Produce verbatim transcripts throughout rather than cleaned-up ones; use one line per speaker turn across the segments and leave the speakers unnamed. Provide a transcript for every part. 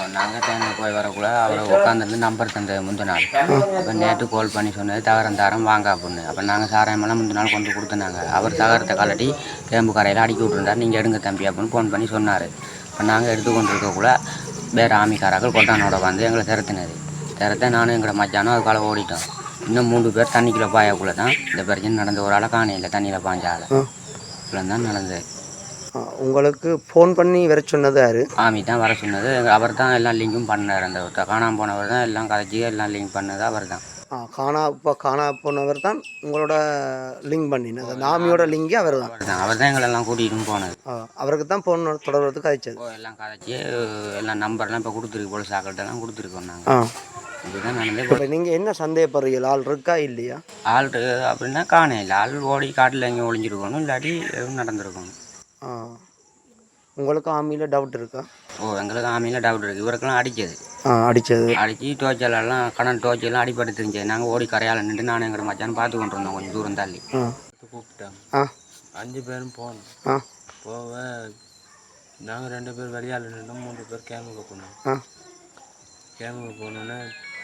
நாங்கள் தேங்க போய் வரக்குள்ள அவரை உட்காந்துருந்து நம்பர் தந்தது முந்தின நாள். அப்போ நேற்று கால் பண்ணி சொன்னது தகரம் தரம் வாங்க அப்படின்னு. அப்போ நாங்கள் சாராயமெல்லாம் முந்தின நாள் கொண்டு கொடுத்துனாங்க. அவர் தகரத்தை கலட்டி கேம்பு கரையில் அடிக்கி விட்டுருந்தார். நீங்கள் எடுங்க தம்பி அப்படின்னு ஃபோன் பண்ணி சொன்னார். இப்போ நாங்கள் எடுத்து கொண்டு இருக்கக்குள்ள வேறு ஆமிக்காராக்கள் கொட்டானோட வந்து எங்களை திறத்தினது. திறத்த நானும் எங்களை மச்சானும் அதுக்கால ஓடிட்டோம். இன்னும் மூன்று பேர் தண்ணிக்குள்ளே பாயக்குள்ளே தான் இந்த பிரச்சனை நடந்த. ஒரு ஆளை காணையில் தண்ணியில் பாஞ்சால இவ்வளோ தான் நடந்தது.
உங்களுக்கு ஃபோன் பண்ணி வர சொன்னது யார்?
ஆமி தான் வர சொன்னது. அவர் தான் எல்லாம் லிங்கும் பண்ணார். அந்த காணாமல் போனவர் தான் எல்லாம் கதைச்சி எல்லாம் லிங்க் பண்ணது அவர் தான்.
ஆ காணா இப்போ காணா போனவர் தான் உங்களோட லிங்க் பண்ணினது. அந்த ஆமியோட லிங்கே அவர் தான்.
அவர் தான் அவர் தான் எங்களெல்லாம் கூட்டிகிட்டு போனது.
அவருக்கு தான் ஃபோன் தொடர்றதுக்கு கதைச்சது.
எல்லாம் கதைச்சி எல்லாம் நம்பர்லாம் இப்போ கொடுத்துருக்கு. போலீஸ் ஆக்கள்கிட்டலாம் கொடுத்துருக்கோம் நாங்கள். இதுதான் நடந்தது.
நீங்கள் என்ன சந்தேகப்படுறீங்க? ஆள் இருக்கா இல்லையா?
ஆள் அப்படின்னா காண இல்லை. ஆள் ஓடி காட்டில் எங்கே ஒளிஞ்சிருக்கணும், இல்லாட்டி எதுவும் நடந்திருக்கணும்.
ஆ உங்களுக்கு ஆமியில் டவுட் இருக்கா?
ஓ எங்களுக்கு ஆமியில் டவுட் இருக்குது. இவருக்கெல்லாம் அடித்தது.
ஆ அடித்தது
அடித்து டோச்சலெல்லாம் கடன் டோச்செல்லாம் அடிப்பட்டு தெரிஞ்சது. நாங்கள் ஓடி கரையால் நின்று நானும் எங்கள் மச்சான்னு பார்த்து கொண்டு இருந்தோம். கொஞ்சம் தூரம் தள்ளி கூப்பிட்டேன்.
ஆ
அஞ்சு பேரும் போனோம்.
ஆ
போக நாங்கள் ரெண்டு பேர் வெளியால் நின்றோம். மூன்று பேர் கேமுக்கு போனோம்.
ஆ
கேமுக்கு போனோன்னே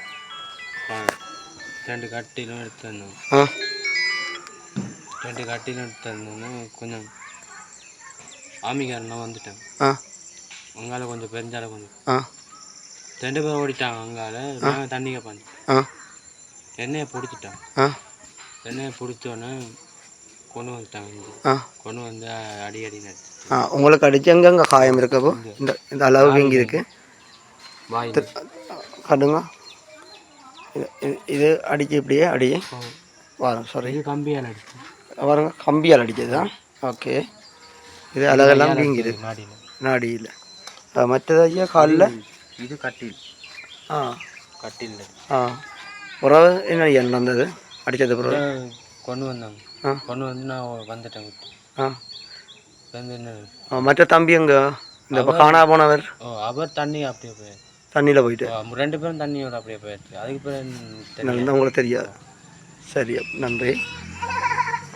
ரெண்டு கட்டிலும் எடுத்து வந்தோம்.
ஆ
ரெண்டு கட்டிலும் எடுத்து வந்தோன்னே கொஞ்சம் ஆமிக்காரெல்லாம் வந்துட்டேன்.
ஆ
அங்கால கொஞ்சம் பெருஞ்சால கொஞ்சம்
ஆ
ரெண்டு பேரும் ஓடிட்டாங்க. அங்கால நாங்கள் தண்ணிக்க பாஞ்சு
ஆ
எண்ணெயை பிடிச்சிட்டோம்.
ஆ
எண்ணெயை பிடிச்சோன்னே கொண்டு வந்துட்டாங்க.
ஆ
கொண்டு வந்து அடி அடி நடிச்சு.
ஆ உங்களுக்கு அடிச்சு எங்கெங்கே காயம் இருக்கப்போ இந்த இந்த அளவுக்கு இங்கே இருக்கு
வாய்
காட்டுங்க. இது அடிச்சு இப்படியே அடியே வரும். சாரி
இது கம்பியால் அடிச்சு
பாருங்க, கம்பியால் அடிச்சது தான். ஓகே, இது அழகெல்லாம் வீங்கிது
நாடியில்
நாடியில். மற்றது ஐயா காலில்
இது கட்டில்.
ஆ
கட்டில்.
ஆ உறவு என்ன ஐயா நடந்தது? அடித்தது பிறகு
கொண்டு வந்தாங்க.
ஆ
கொண்டு வந்து நான் வந்துட்டேன்.
ஆ
வந்து என்ன
மற்ற தம்பி அங்கே இந்த இப்போ காணா போனவர்?
ஓ அவர் தண்ணி அப்படியே போய்
தண்ணியில் போயிட்டு
ரெண்டு பேரும் தண்ணியோட அப்படியே போயிடுச்சு. அதுக்கு பிறகு
உங்களுக்கு தெரியாது. சரி, நன்றி.